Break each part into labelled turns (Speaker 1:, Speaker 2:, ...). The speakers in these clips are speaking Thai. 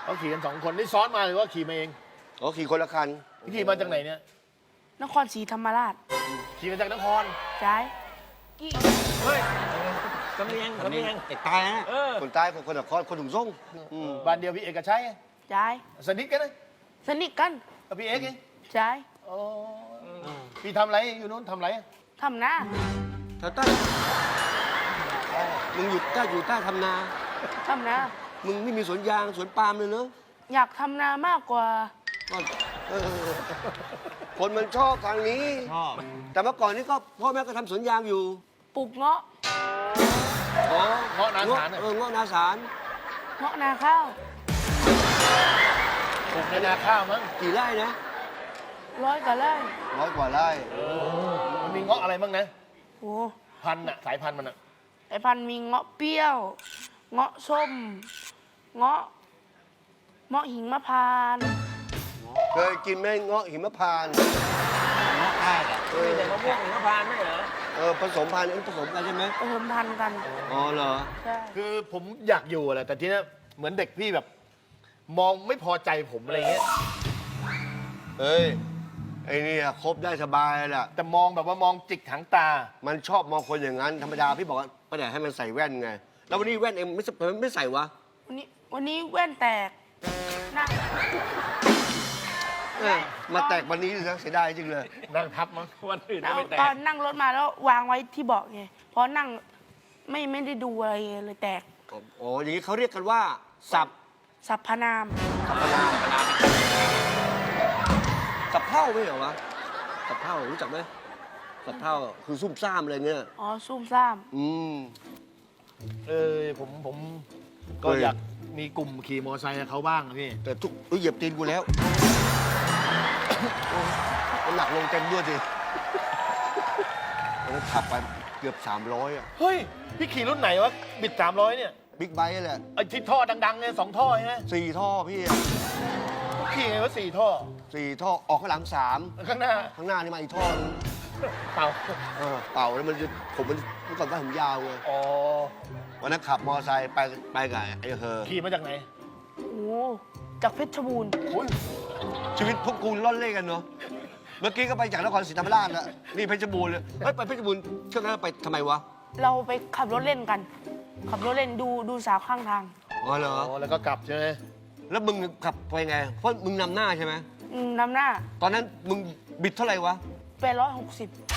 Speaker 1: เขาขี่กัน2 คนนี่ซ้อนมาหรือว่าขี่มาเอง
Speaker 2: อ๋อขี่คนละคัน
Speaker 1: ขี่มาจากไหนเนี่ย
Speaker 3: นครศรีธรรมราช
Speaker 1: ขี่มาจากนคร
Speaker 3: ย้ายกี่
Speaker 1: เฮ้ยสำเนียง
Speaker 4: ไอ้ตายนะ
Speaker 2: คนใต้คนนครคนถุงส่ง
Speaker 1: บ้านเดียวพี่เอกชัย
Speaker 3: ย้าย
Speaker 1: สนิทกันนะ
Speaker 3: สนิทกัน
Speaker 1: กับพี่เอกเอง
Speaker 3: ย้าย
Speaker 1: อ๋อพี่ทำอะไรอยู่นู้นทำอะไร
Speaker 3: ทำหน้า
Speaker 4: แถวใต้มึงอยู่ใต้ทำนา
Speaker 3: ทำหน้า
Speaker 4: มึงไม่มีสวนยางสวนปาล์มเลยเนอะ
Speaker 3: อยากทำนามากกว่า
Speaker 4: ก็เออ
Speaker 2: คนมันชอบทางนี้
Speaker 4: ชอบ
Speaker 2: แต่เมื่อก่อนนี่ก็พ่อแม่ก็ทำสวนยางอยู่
Speaker 3: ปลูกเงาะ
Speaker 2: อ๋อ
Speaker 1: เงาะนาสาร
Speaker 4: เงาะนาสาร
Speaker 3: เงาะนาข้าว
Speaker 1: ปลูกในนาข้าวมั้ง
Speaker 4: กี่ไร่นะ
Speaker 3: 100 กว่าไร่
Speaker 2: 100 กว่าไร่
Speaker 1: มันมีเงาะอะไรบ้างนะ
Speaker 3: โอ้
Speaker 1: พันธุ์อะสายพันธุ์มันอะ
Speaker 3: ไอพันธุ์มีเงาะเปรี้ยว เงาะส้ม เงาะหิงมะพร้านต์
Speaker 2: เคยกินไหมเงาะหิมพานต์
Speaker 4: เงาะใต้อะ
Speaker 1: มีแต่มะม่วงหิมพานต์ไม่เหรอ
Speaker 2: ผสมพันธุ์
Speaker 4: ผสมกันใช่ไหม
Speaker 3: ผสมพันธุ์กัน
Speaker 4: อ๋อเหรอ
Speaker 3: ใช่
Speaker 1: คือผมอยากอยู่แหละแต่ทีนี้เหมือนเด็กพี่แบบ มองไม่พอใจผมอะไรเงี้ย
Speaker 2: เฮ้ย ไอ้นี่คบได้สบายแหละ
Speaker 1: แต่มองแบบว่ามองจิกหางตา
Speaker 2: มันชอบมองคนอย่างนั้น ธรรมดาพี่บอกว่าป้าแดดให้มันใส่แว่นไง แล้ววันนี้แว่นเองไม่ใส่วะ
Speaker 3: วันนี้แว่นแตกนั่ง
Speaker 2: มาแตกวันนี้เลยนะเสียดายจริงเลย
Speaker 1: นั่งทับมั้งวันอื่นก็ไม่แต
Speaker 3: ตอก นนั่งรถมาแล้ววางไว้ที่เบาะไงเพราะนั่งไม่ได้ดูอะไรเลยแตก
Speaker 2: อ๋อ อย่างนี้เขาเรียกกันว่า สับ
Speaker 3: สรรพนาม
Speaker 2: สับเท่าไม่เหรอวะ สับเท่ารู้จักไหมสับเท่าคือซุ่มซ่ามอะไรเงี้ย
Speaker 3: อ๋อซุ่มซ่าม
Speaker 2: อืม
Speaker 1: ผมก็อยากมีกลุ่มขี่มอเตอร์ไซค์กับเขาบ้างนะพี่
Speaker 2: แต่ทุกเหยียบตีนกูแล้วน้ำหนักลงเต็มด้วยสิวันนั้นขับไปเกือบ300อ่ะ
Speaker 1: เฮ้ย พี่ขี่รุ่นไหนวะ บิด300เนี่ย
Speaker 2: บิ๊กไบค์แหละ
Speaker 1: ไอ้ที่ท่อดังๆเนี่ย2 ท่อใช่ไหม
Speaker 2: 4 ท่อพี่อะ
Speaker 1: ขี่ไงวะ4 ท่อ
Speaker 2: 4 ท่อออกข้างหลัง
Speaker 1: ข้างหน้า
Speaker 2: 3ข้างหน้านี่มาอีกท่อนึง
Speaker 1: เปล่า
Speaker 2: เป่าแล้วมันจะผมมันเมื่อก่อนว่าผมยาวไง
Speaker 1: อ๋อ
Speaker 2: วันนั้นขับมอเตอร์ไซค์ไปกับไอ้เฮอ
Speaker 1: ขี่มาจากไหน
Speaker 3: โอ้จากเพชรบูรณ์
Speaker 1: อุ้ย
Speaker 2: ชีวิตพวกกูล่อนเล่กันเนาะเมื่อกี้ก็ไปจากนครศรีธรรมราชแล้วนี่เพชรบูรณ์เลยเฮ้ยไปเพชรบูรณ์ช่วงนั้นไปทำไมวะ
Speaker 3: เราไปขับรถเล่นกัน ขับรถเล่นดูสาวข้างทาง
Speaker 2: อ๋อเหรอ
Speaker 1: อ๋อ แล้วก็กลับใช่ไหม
Speaker 2: แล้วมึงขับไปไงเพราะมึงนำหน้าใช่ไหม
Speaker 3: นำหน้า
Speaker 2: ตอนนั้นมึงบิดเท่าไหร่วะ
Speaker 3: 860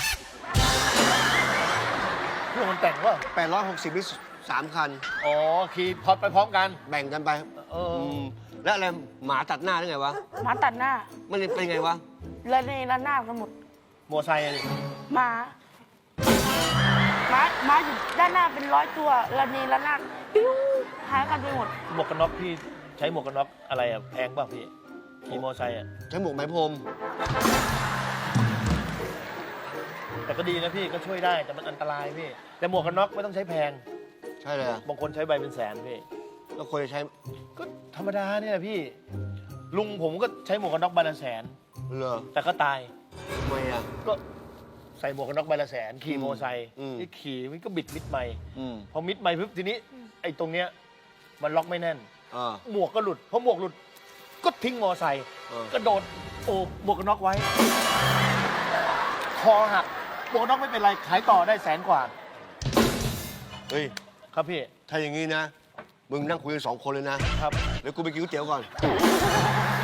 Speaker 1: เพื่อนมันแต่งว่า
Speaker 2: 860นี่3 คัน
Speaker 1: อ๋อ ขี่พอดไปพร้อมกัน
Speaker 2: แบ่งกันไป
Speaker 1: เออ
Speaker 2: แล้วอะไรหมาตัดหน้าได้ไงวะ
Speaker 3: หมาตัดหน้า
Speaker 2: มันเป็นไงวะ
Speaker 3: ระเนระนาดกันหมด
Speaker 1: มอไซค์อะดิ
Speaker 3: หมาอยู่ด้านหน้าเป็น100 ตัวระเนระนาดปิ้วหายกันไปหมด
Speaker 1: หมวกกันน็อกพี่ใช้หมวกกันน็อกอะไรอะแพงป่ะพี่ ขี่มอไซค์อะ
Speaker 2: ใช้หมวกไหมพรม
Speaker 1: แต่ก็ดีนะพี่ก็ช่วยได้แต่มันอันตรายพี่ แต่หมวกกันน็อกไม่ต้องใช้แพง
Speaker 2: ใช่เลยอะ
Speaker 1: บางคนใช้ใบเป็นแสนพี่
Speaker 2: แล้วควรจะใช้
Speaker 1: ก็ธรรมดาเนี่ยแหละพี่ ลุงผมก็ใช้หมวกกันน็อกใบละแสน
Speaker 2: เหรอ
Speaker 1: แต่ก็ตาย
Speaker 2: ทำไมอ่ะ
Speaker 1: ก็ใส่หมวกกันน็อกใบละแสน ขี่มอไซค์
Speaker 2: อืม
Speaker 1: นี่ขี่มันก็บิดมิดไม่
Speaker 2: อืม
Speaker 1: พอมิดไม่ปุ๊บทีนี้ไอ้ตรงเนี้ยมันล็อกไม่แน่น
Speaker 2: อ่า
Speaker 1: หมวกก็หลุดพอหมวกหลุด ก็ทิ้งมอไซค์
Speaker 2: เออ
Speaker 1: กระโดดโอบหมวกกันน็อกไว้ คอหักหมวกกันน็อกไม่เป็นไรขายต่อได้100,000 กว่า
Speaker 2: เฮ้ย
Speaker 1: ครับพี่
Speaker 2: ถ้าอย่างนี้นะ มึงนั่งคุยกัน2 คนเลยนะ
Speaker 1: ครับ
Speaker 2: เดี๋ยวกูไปกินก๋วยเตี๋ยวก่อน
Speaker 1: ไ